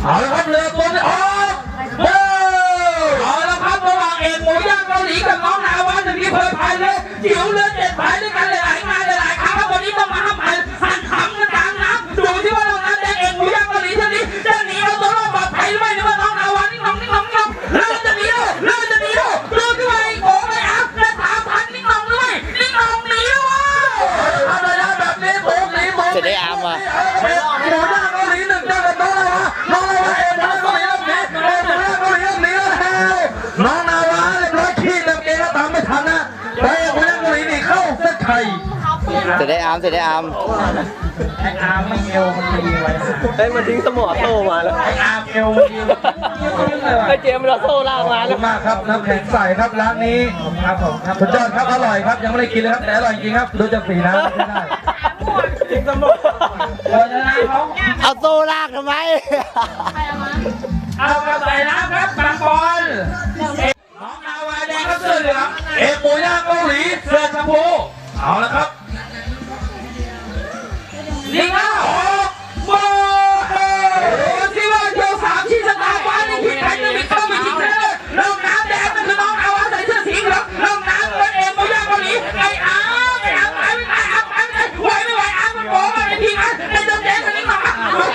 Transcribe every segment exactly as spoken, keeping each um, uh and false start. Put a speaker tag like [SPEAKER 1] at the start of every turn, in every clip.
[SPEAKER 1] เอาละครับเรือตัวนี้ออกโอ้เอาละครับระหว่างเอกหมูย่างเกาหลีกับน้องนาวาหนึ่งที่เคยพายเลยจิ๋วเรือเจ็ดพายด้วยกันหลายๆงานหลายๆครั้งครับวันนี้ต้องมาห้ามพายหันขำกันกลางน้ำดูที่ว่าน้องน้ำแดงเอกหมูย่างเกาหลีเท่านี้จะหนีเอาตัวรอดปลอดภัยหรือไม่หรือว่าน้องนาวานิ่งๆนิ่งๆนิ่งๆเรือจะหนีเลยเรือจะหนีเลยเรือที่ว่าไอ้โง่ไม่อัพและถามทันนิ่งๆด้วยนิ่งๆหนีเลยอะไรนะแบบนี้โง่หนีโง่จะได้อาร์มว่ะหมูย่างเกาหลีหนึ่งเจอกับน้องนาวาน้องนาวาเอกหมูย่างเกาหลีหนึ่งเอกหมูย่างเกาหลีหนึ่งหนีแล้วน้องนาวาเรียบร้อยขี้เต็มเกมแล้วตามไม่ทันนะแต่เอกหมูย่างเกาหลีนี่เข้าเส้นชัยจะได้อาร์มจะได้อาร์มไออาร์มไม่เอวมันดีไว้
[SPEAKER 2] เฮ้ยมันทิ้งสมอโต้มาแล้ว
[SPEAKER 1] ไออาร์มเอวมันดี
[SPEAKER 2] ไอเจมส์เราโต้ล่างมาแล้ว
[SPEAKER 1] มากครับน้ำแข็งใสครับร้านนี้ครับผมครับสุดยอดครับอร่อยครับยังไม่ได้กินเลยครับแต่อร่อยจริงครับดูจากสีน้ำไม่ได้
[SPEAKER 2] ทิ้งสมอ
[SPEAKER 1] เอาโต้ลากทำไมเอากระใส่น้ำครับบางบอลน้องนาวาแดงครับเสื้อเหลืองเอกหมูย่างเกาหลีเสื้อชมพูเอาละครับลิงอ้าวโอ้โหที่ว่าโยสามชี้ชะตาฟ้านี่ผิดใครจะผิดก็ไม่จริงเลยน้องน้ำแดงนั่นคือน้องนาวาใส่เสื้อสีเหลืองน้องน้ำเป็นเอกหมูย่างเกาหลีไอ้อ้าวไอ้อ้าวไอ้ไม่อ้าวไอ้ไม่ไหวไม่ไหวอ้าวมันโผล่มาในทีมนั้นในตัวแดงคนนี้มา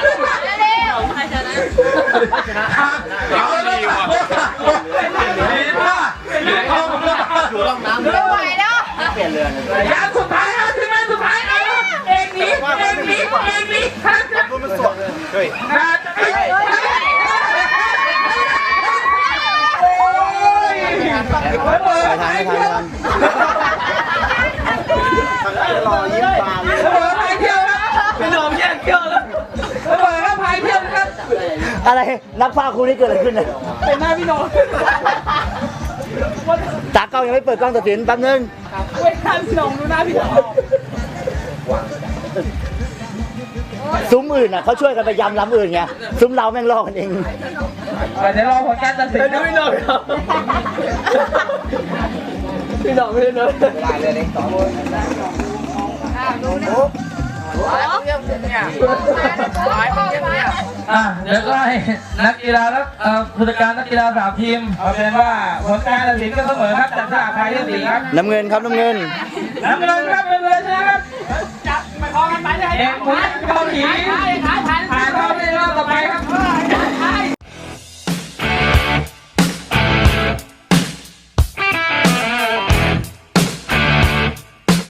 [SPEAKER 1] เอาเลยว่ะดีมากเอาอยู่ล่องน้ำไม่ไหวแล้วเปลี่ยนเรือยางสุดท้ายนะถึงแม้สุดท้ายนะเอกนี้เอกนี้เอกนี้ครับมันสดเลยเฮ้ยไม่ทันไม่ทันไม่ทันรอยิ้มบานเลยพายเที่ยวนะพี่หนุ่มแย่งเที่ยวแล้วเปิดแล้วพายเที่ยวกันอะไรนักพากย์คู่นี้เกิดอะไรขึ้นเนี่ยเป็นหน้าพี่หนุ่มตากล้องยังไม่เปิดกล้องตัดสินแป๊บนึงเว้ยข้ามพี่หนุ่มดูหน้าพี่หนุ่มซุ้มอื่นอ่ะเขาช่วยกันไปยำล้ำอื่นไงซุ้มเราแม่งลอกกันเองเดี๋ยวรอผลการตัดสินพี่หนุ่มพี่หนุ่มไม่ได้เลยได้เลยเล็กสองคนอ่ะเดี๋ยวก็ให้นักกีฬาแล้วผู้จัดการนักกีฬาสามทีมเอาเป็นว่าผลการตัดสินก็เสมอครับจากสหพันธ์ที่สี่ครับน้ำเงินครับน้ำเงินน้ำเงินครับน้ำเงินชนะครับจับไปพอกันไปเลยเอกหมูย่างเกาหลีผ่านเข้าในรอบต่อไปครับ